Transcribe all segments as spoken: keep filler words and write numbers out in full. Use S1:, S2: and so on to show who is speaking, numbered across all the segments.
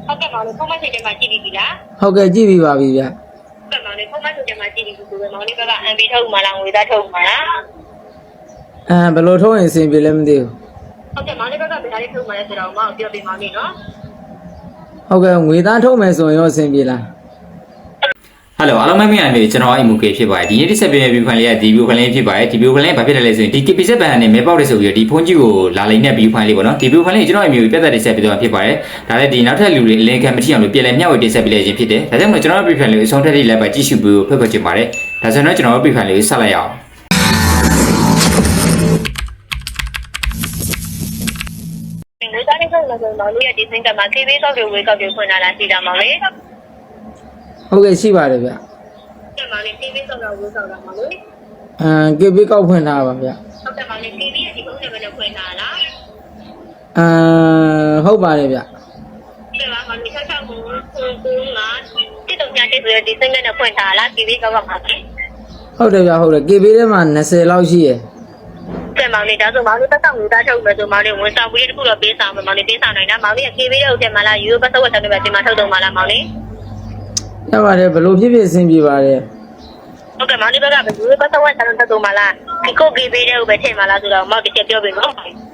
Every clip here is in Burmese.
S1: ဟုတ်ကဲ့မောင်လေးဖုန်းမဆက်ကြမှာကြည့်ပြီလား
S2: ဟုတ်ကဲ့ကြည့်ပြီးပါပြီဗျ
S1: ဟုတ်ကဲ့မောင်လေးဖုန်းမဆက်ကြမှာကြည့်ပြီဆိုတော့မောင်လေးဘက်ကအန်ပီထုတ်မှလားငွေသားထုတ်မှလား
S2: အဲဘယ်လိုထုတ်ရင်အဆင်ပြေလဲမသိဘူး
S1: ဟုတ်ကဲ့မောင်လေးဘက်ကဘယ်လိုထုတ်မှလဲဆိုတော့မောင်ပြောပြမောင်လေးနော်
S2: ဟုတ်ကဲ့ငွေသားထုတ်မယ်ဆိုရင်ရောအဆင်ပြေလား
S3: ဟယ်လိုအားလုံးမင်္ဂလာပါကျွန်တော်အိမ်မူကေဖြစ်ပါတယ်ဒီနေ့ဒီဆက်ပြည့်ဗီဒီယိုဖိုင်လေးကဒီဗီဒီယိုဖိုင်လေးဖြစ်ပါတယ်ဒီဗီဒီယိုဖိုင်လေးဘာဖြစ်တယ်လဲဆိုရင်ဒီ ကေ ပီ ဇက် ဘန်နဲ့မဲပေါက်တယ်ဆိုပြီးတော့ဒီဖုန်းကြီးကိုလာလိမ့်တဲ့ဗီဒီယိုဖိုင်လေးပေါ့နော်ဒီဗီဒီယိုဖိုင်လေးကျွန်တော်အိမ်မူကိုပြတ်သက်တင်ဆက်ပြီးတော့ဖြစ်ပါတယ်ဒါလည်းဒီနောက်ထပ်လူတွေအလင်းခံမထီအောင်လို့ပြည်လဲမျှဝေတင်ဆက်ပေးလိုက်ခြင်းဖြစ်တယ်ဒါကြောင့်မို့ကျွန်တော်ဗီဒီယိုဖိုင်လေးကိုအဆုံးထက်ထိလိုက်ပါကြည့်ရှုပြီးဖတ်ဖတ်ချင်ပါတယ်ဒါဆိုတော့ကျွန်တော်ဗီဒီယိုဖိုင်လေးကိုဆက်လိုက်အောင်
S1: ငွေသားလေးထုတ်လို့ဆိုမောင်လေးရဲ့ဒီစင်ကမှာ ကေ ဘီ ကောက်တွေဝေကောက်တွေဖွင့်လာလားရှိတာမောင်လေး
S2: ဟုတ်ကဲ့ရှိပါတယ်ဗျ
S1: ကဲမောင်လေး ကေ ဘီ ကောက်တော့ဝေကောက်တာမောင်လေး
S2: အမ် ကေ ဘီ ကောက်ဖွင့်ထားပါဗျ
S1: ဟုတ်ကဲ့မောင်လေး ကေ ဘီ ရဲ့ဒီဖုန်းနံပါတ်နဲ့ဖွင့်ထားလား
S2: အမ်ဟုတ်ပါတယ်ဗျ
S1: ကဲပါမောင်လေးဆက်ဆက်ကိုကိုကိုငါတိတုံညာတိဆိုရဒီစင်ကနဲ့ဖွင့်ထားလား ကေ ဘီ ကောက်ကမှာ
S2: ဟုတ်တယ်ဗျဟုတ်တယ် ကေ ဘီ ထဲမှာ၂၀လောက်ရှိရယ်
S1: ကဲမောင်လေးဒါဆိုမောင်လေးတက်ဆောင်ငွေသားထုတ်မယ်ဆိုမောင်လေးဝန်ဆောင်ပြီးတခုတော့ပေးဆောင်မယ်မောင်လေးပေးဆောင်နိုင်တာမောင်လေးရဲ့ ကေ ဘီ ရဲ့ဥစ္စာမလားယူပတ်သက်ဝတ်တယ်ပဲဒီမှာထုတ်တော့မလားမောင်လေး
S2: ရပါတယ်ဘယ်လိုဖြစ်ဖြစ်အဆင်ပြေပါတယ်
S1: ဟုတ်ကဲ့မောင်လေးဘက်ကဘယ်လိုပတ်သက်ဝတ်တယ်ထုတ်တော့မလားဒီကို ကေ ဘီ ရဲ့ဥပဲထည့်မလားဆိုတော့မောင်တစ်ချက်ပြောပေးနော်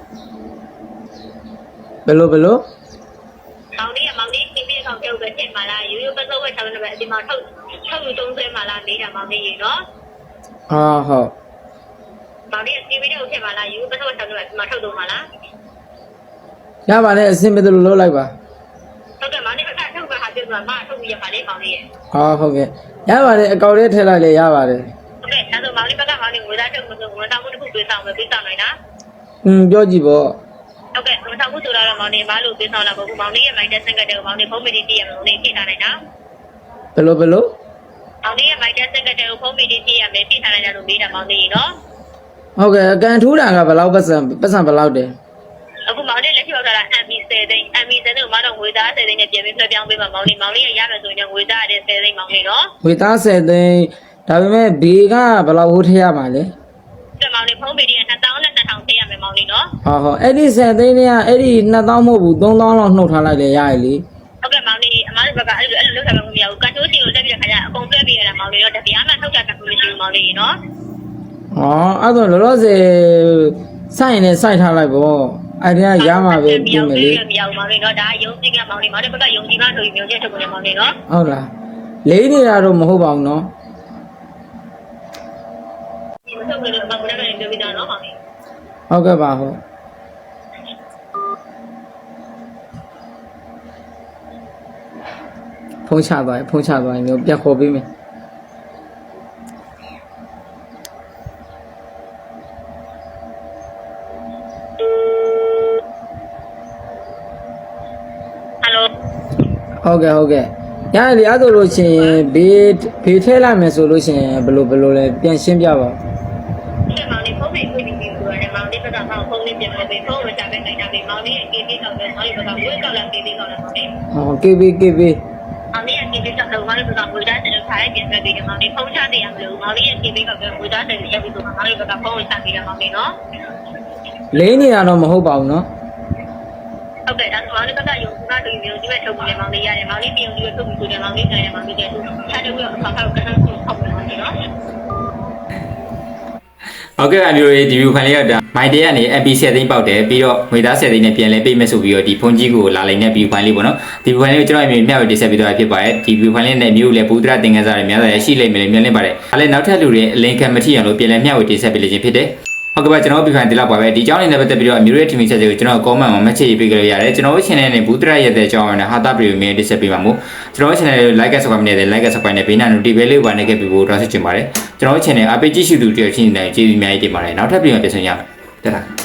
S2: ဘယ်လိုဘယ်လို
S1: မောင်လေးကမောင်လေး ကေ ဘီ ကောင်ထုတ်ပဲထည့်မလားယူယူပတ်သက်ဝတ်တယ်ပဲဒီမှာထုတ်ထုတ်ယူသုံးဆွဲမလားနေတာမောင်လေးရေနော်
S2: အာဟုတ်
S1: မောင်လေး ကေ ဘီ ရဲ့ဥထည့်မလားယူပတ်သက်ဝတ်တယ်ပဲဒီမှာထုတ်တော့မလား
S2: ရပါတယ်အဆင်ပြေတယ်လို့လုပ်လိုက်ပါ
S1: ဟုတ်ကဲ့မောင်လေးကထုတ်ပါဟာပြောမှာမထုတ်ပြီးရပါလေမောင်လေးရေ
S2: ဟာဟုတ်ကဲ့ရပါတယ်အကောင့်လေးထည့်လိုက်လေရပါတယ်
S1: ဟုတ်ကဲ့ဒါဆိုမောင်လေးဘက်ကမောင်လေးငွေသားထုတ်လို့ငွေသားမှုတစ်ခုပေးဆောင်မယ်ပေးဆောင်နိုင်လား
S2: อืมပြောကြည့်ပေါ့
S1: ဟုတ်ကဲ့ငွေသားမှုဆိုတော့မောင်လေးမလို့ပေးဆောင်လာပေါ့မောင်လေးရဲ့ မိုက်တက်ဆင်ကတ်တဲ့မောင်လေးဖုန်းမီဒီတည်ရမောင်လေးဖြည့်ထားနိုင်တာ
S2: ဘယ်လိုဘယ်လို
S1: မောင်လေးရဲ့ မိုက်တက်ဆင်ကတ်တဲ့ဖုန်းမီဒီတည်ရမယ်ဖြည့်ထားနိုင်တယ်လို့မေးတာမောင်လေးနော်
S2: ဟုတ်ကဲ့အကန်ထူးတာကဘယ်လောက်ပတ်စံပတ်စံဘယ်လောက်တယ်
S1: အခုမောင်လေးလက်ရှိရောက်လာတာ အမ် ဘီ ဆယ်သိန်း အမ် ဘီ ဆယ်သိန်းကိုမတော့ငွေသားဆယ်သိန်းနဲ့ပြင်ပြီးလွှဲပြောင်းပေးမှာမောင်လေးမောင်လေးရရမယ်ဆိုရင်ငွေသားရတဲ့ဆယ်သိန်းမောင်လေးနော်
S2: ငွေသားဆယ်သိန်းဒါပေမဲ့ဘေကဘယ်လောက်ဟိုးထည့်ရမှာလဲ
S1: ကဲမောင်လေးဖုန်းမီဒီကနှစ်သောင်းနဲ့နှစ်ထောင်ထည့်ရမယ်မောင်လေးနော်
S2: ဟောဟောအဲ့ဒီဆယ်သိန်းတွေကအဲ့ဒီနှစ်သောင်းမဟုတ်ဘူးသုံးသောင်းလောက်နှုတ်ထားလိုက်လေရရလေ
S1: ဟုတ်ကဲ့မောင်လေးအမားတို့ဘက်ကအဲ့လိုအဲ့လိုလုပ်ထားမှမရဘူးကန်တိုးစီကိုတက်ပြီးခါကျအကုန်တွဲပေးရတာမောင်လေးတော့တပြားမှထုတ်တာကမရှိဘူးမောင်လေးနော်
S2: ဟောအဲ့တော့လောလောဆယ်စိုက်နေစိုက်ထားလိုက်ပေါ့အဲ့ဒါရမှာပဲပြင်မယ်လေ
S1: မရဘူးမောင်လေးနော်ဒါရုံးကြည့်ကမောင်လေးမောင်လေးဘက်ကယုံကြည်မှဆိုပြီးမျိုးချက်ထုတ်နေမောင်လေးနော်
S2: ဟုတ်လားလေးနေတာတော့မဟုတ်ပါဘူးနော်
S1: ဒီမထုတ်လို့အမေကလည်းပြောပြတာနော်မောင်လေး
S2: ဟုတ်ကဲ့ပါဟုတ်ဖုန်းချသွားဖုန်းချသွားရင်မျိုးပြတ်ခေါ်ပေးမယ်ဟုတ်ကဲ့ဟုတ်ကဲ့ရတယ်အဲ့ဒါလို့ရှင်ဘေးဘေးထဲလိုက်မယ်ဆိုလို့ရှင်ဘယ်လိုဘယ်လိုလဲပြန်ရှင်းပြပါ
S1: ရှင်မောင်လေးဖုန်းလေးကိုပြီးပြီးဆိုတော့မောင်လေးဘက်ကဖုန်းလေးပြန်မယ်ပြီးဖုန်းဝယ်ချပေးနိုင်တာပြီးမောင်လေးရဲ့ ကေ ဘီ ကောက်တယ်မောင်လေးဘက်ကဝယ်ကောက်လာ ကေ ဘီ ကောက်လာမောင်လေး
S2: ဟော ကေ ဘီ ကေ ဘီ
S1: မောင်လေးရဲ့ ကေ ဘီ ကောက်တော့မောင်လေးဘက်ကဝယ်သားတယ်လို့ခါလိုက်ပြန်ပြီးတယ်မောင်လေးဖုန်းချတယ်ရမလို့မောင်လေးရဲ့ ကေ ဘီ ကောက်တယ်ဝယ်သားတယ်ရက်ပြီးဆိုမောင်လေးဘက်ကဖုန်းဝယ်ချပေးတယ်မောင်လေးနော်
S2: လေးနေတာတော့မဟုတ်ပါဘူးနော်
S1: ဟုတ်ကဲ့ဒါဆိုမောင်လေးဘက်ကယုံကြည်မှဆိုပြီးဒီမဲ့ထုတ်ပြီးမောင်လေးရတယ်မောင်လေးပြုံပြီးထုတ်ပြီးဆိုတယ်မောင်လေးကြတယ်မောင်လေးကြတယ်သူချတဲ့ဝေးကိုဆောက်ဆောက်ကန်းဆောက်ပြီးမောင်လေးနော်
S3: ဟုတ်ကဲ့အမျိုးရေးဒီဗီဒီယိုဖိုင်လေးကဒါမိုင်တဲကနေ အမ် ပီ ဆယ်သိန်းပေါက်တယ်ပြီးတော့ငွေသားဆယ်သိန်းနဲ့ပြန်လဲပေးမယ်ဆိုပြီးတော့ဒီဖုန်းကြီးကိုလာလိုက်တဲ့ဗီဒီယိုဖိုင်လေးပေါ့နော်ဒီဗီဒီယိုဖိုင်လေးကိုကျွန်တော်အမျိုးမျှဝေတင်ဆက်ပေးသွားဖြစ်ပါတယ်ဒီဗီဒီယိုဖိုင်လေးနဲ့မျိုးလည်းဘူဒရာသင်ခန်းစာတွေများစွာရှိလိမ့်မယ်လို့မျှော်လင့်ပါတယ်ဒါလည်းနောက်ထပ်လူတွေအလင်းခံမထီအောင်လို့ပြန်လဲမျှဝေတင်ဆက်ပေးလိမ့်ခြင်းဖြစ်တယ်ဟုတ်ကဲ့ပါကျွန်တော်ဗီဒီယိုဖိုင်ဒီလောက်ပါပဲဒီအကြောင်းလေးနဲ့ပတ်သက်ပြီးတော့အမျိုးရဲ့ team ချက်တွေကိုကျွန်တော် comment မှာ message ရေးပေးကြလို့ရတယ်ကျွန်တော်တို့ channel နဲ့ဘူးတရရဲ့တဲ့အကြောင်းနဲ့ဟာတာဗီဒီယိုမျိုးတင်ဆက်ပေးပါမို့ကျွန်တော်တို့ channel ကို like နဲ့ subscribe နဲ့ like နဲ့ subscribe နဲ့ဘေးနား notification လေးပါနေခဲ့ပြီးဖို့တောင်းဆိုချင်ပါတယ်ကျွန်တော်တို့ channel အပိတ်ကြည့်ရှုသူတယောက်ချင်းနေကြည့်ပြီးအများကြီးတင်ပါတယ်နောက်ထပ်ပြန်ပြန်ဆောင်ရမယ်တတာ